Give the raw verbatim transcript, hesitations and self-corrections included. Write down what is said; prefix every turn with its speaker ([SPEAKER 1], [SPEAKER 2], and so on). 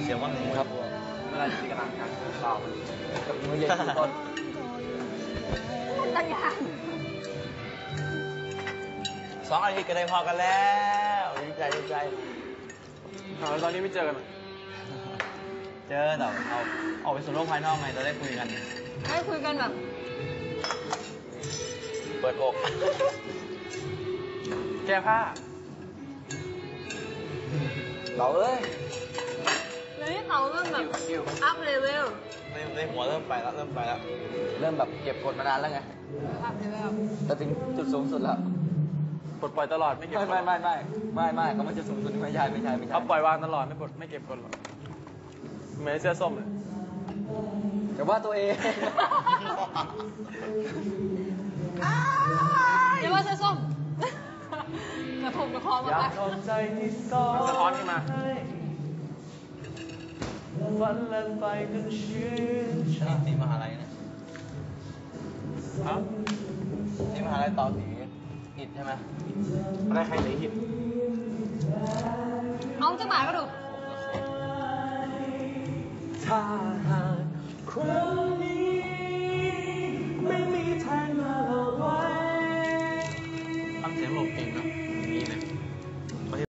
[SPEAKER 1] เสียงว่าหนึ่งครับเวลาที่กำลังการเปล่ากับมือใหญ่ทุกคน
[SPEAKER 2] ตั้งอย่าง
[SPEAKER 1] สองอาทิตย์ก็ได้พอกันแล้วดีใจดีใจ
[SPEAKER 3] แล้วตอนนี้ไม่เจอกัน
[SPEAKER 1] เจอแต่เอาออกไปสู่โลกภายนอกไงจะได้คุยกัน
[SPEAKER 2] ได้คุยกันแบบ
[SPEAKER 1] เปิดอก
[SPEAKER 3] แก้ผ้า
[SPEAKER 1] เต๋าเอ้ย
[SPEAKER 2] เดี๋ยวนี้เต๋าเริ่มแบบอัพเลเวล
[SPEAKER 1] ในในหัวเริ่มไปแล้วเริ่มไปแล้ว
[SPEAKER 4] เริ่มแบบเก็บกดมานานแล้วไง
[SPEAKER 2] อัพเลเวล
[SPEAKER 4] แต่ถึงจุดสูงสุดแล้ว
[SPEAKER 3] ปลดปล่อยตลอดไม่เก็บ
[SPEAKER 4] ไม่ไม่ไม่ไม่ไม่ไม่ก็มันจะสูงสุดไม่ใช่ไม่ใช่ไม่ใช่
[SPEAKER 3] เขาปล่อยวางตลอดไม่ปลดไม่เก็บกดหรอกเหมือนเสื้อส้มเลย
[SPEAKER 4] แต่ว่าตัวเอง
[SPEAKER 2] เดี๋ยวว่าเสื้อส้มกระทงกระคองมา
[SPEAKER 3] อยากขอบใจที่ซ้อนสะท้อนขึ้นมาฝันเล่นไปจนชื่นชา
[SPEAKER 1] นี่มหาลัยนะ
[SPEAKER 3] ครับ
[SPEAKER 1] นี่มหาลัยต่อสีอิดใช่ไหม
[SPEAKER 3] อะไรใครไหนหิน
[SPEAKER 2] เอาจะหมายก็ดู
[SPEAKER 3] ถ้าหากความ